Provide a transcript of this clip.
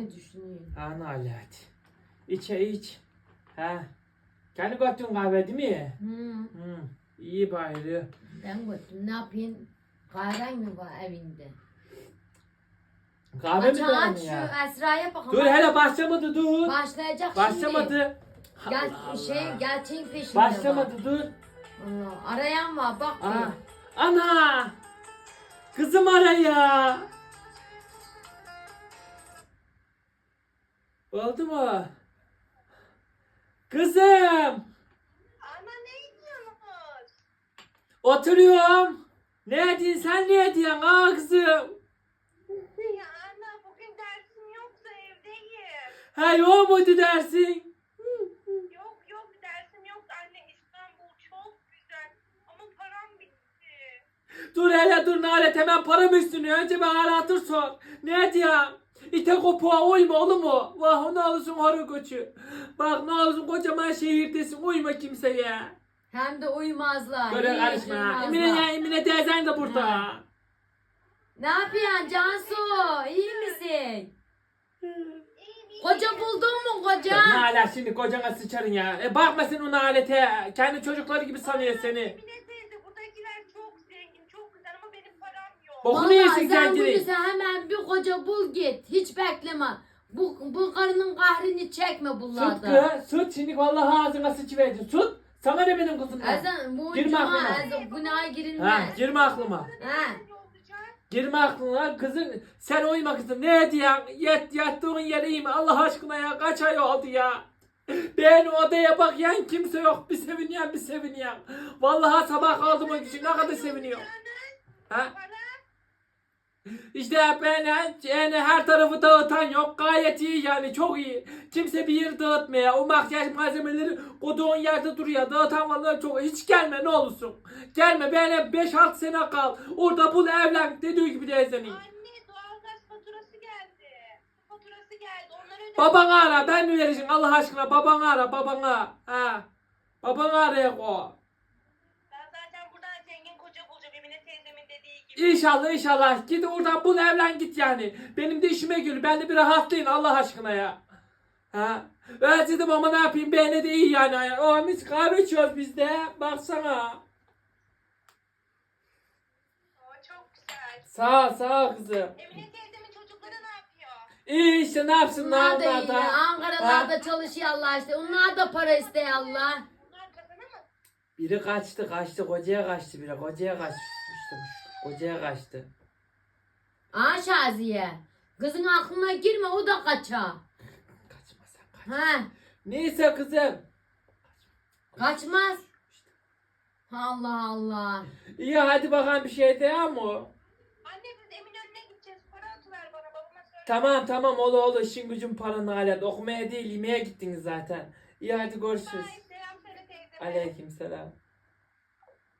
Ne düşünüyorsun? Ha Nalet. İç. Ha. Kendi götün kahve değil mi? Hı. İyi bari. Ben götüm. Ne yapayım? Kahven mi var evinde? Kahve mi Aç dedin şu ya? Esra'ya bakalım. Dur hele başlamadı dur. Başlayacak şimdi. Başlamadı. Gel, Allah Allah. gerçeğin peşinde Başlamadı var. dur. Allah, arayan var bak. Aa. Ana. Kızım araya. Oldu mu? Kızım. Ana ne yiyorsunuz? Oturuyorum. Ne ediyorsun sen ne ediyorsun kızım? Ya ana bugün dersim yoksa evdeyim. Ha yok muydu dersin? Yok dersim yok anne, İstanbul çok güzel ama param bitti. Dur hele dur Nalet hemen param üstünü. Önce ben aratır sor. Ne diyorsun? İte kopuğa uyma oğlum mu? Vah ne olursun horu koçu. Bak ne olursun kocaman şehirdesin uyma kimseye. Hem de uyumazlar. Böyle hiç karışma. uyumazlar. Emine teyzen de burada. Ha. Ne yapıyorsun Cansu? İyi misin? İyi. Koca buldun mu koca? Nalet şimdi kocana sıçarın ya. Bakma sen o Nalet'e. Kendi çocukları gibi sanıyor seni. Emine teyze buradakiler çok zengin çok güzel ama benim param yok. Bokunu Vallahi yesin sen kendini. buyursa hemen bir koca bul git. Hiç bekleme. Bu karının kahrini çekme Sut bunlardan. kız. Sut şimdi vallahi ağzına sıçıverdi. Sut. Sana ne benim kızımdan? Ezan bu Girme cuma aklıma. ezan günaha Ha, girilmez. girme aklıma. Ha. Ne olacak? Girme aklına kızın. Sen uyuma kızım. Ne diyorsun? Yattığın yere iyi mi? Allah aşkına ya. Kaç ay oldu ya? Ben odaya bak yan kimse yok. Bir seviniyorum. Vallahi sabah kaldım o için ne kadar seviniyorum. Ha? Para? İşte ben yani her tarafı dağıtan yok. Gayet iyi yani çok iyi. Kimse bir yeri dağıtmıyor. O makyaj malzemeleri koduğun yerde duruyor. Dağıtan vallahi çok. Hiç gelme ne olursun. Gelme böyle 5-6 sene kal. Orada bul evlen dediği gibi de izlemeyin. Anne doğalgaz faturası geldi. Su faturası geldi. Onları ödedim. Babanı ara ben mi vereceğim Allah aşkına babanı ara babana. Ha. Babanı araya koy. Ben zaten buradan zengin koca bulacağım Emine teyzemin dediği gibi. İnşallah git oradan bul evlen git yani. Benim de işime gül. Ben de bir rahatlayın Allah aşkına ya. Ha. Ben dedim ama ne yapayım beğene de iyi yani. O mis kahve içiyoruz biz de. Baksana. Aa, çok güzel. Sağ ol kızım. Emine teyzemin çocukları ne yapıyor? İyi işte ne yapsınlar Bunlar da onlar iyi. da. Ankara'larda çalışıyorlar işte. Onlar da para istiyor Allah. Bunlar kazanamaz. Biri kaçtı kocaya kaçtı biri. Kocaya kaçtı. Şaziye. Kızın aklına girme o da kaça. Kaçma sen kaç. Ha, Neyse kızım. kaçmaz. Allah Allah. İyi hadi bakalım bir şey de ama. Anne biz Eminönü'ne gideceğiz. Para atıver bana babama söyle. Tamam olur işin gücün paranı alet. Okumaya değil yemeğe gittiniz zaten. İyi hadi görüşürüz. Ay, selam söyle teyzeme. Aleykümselam.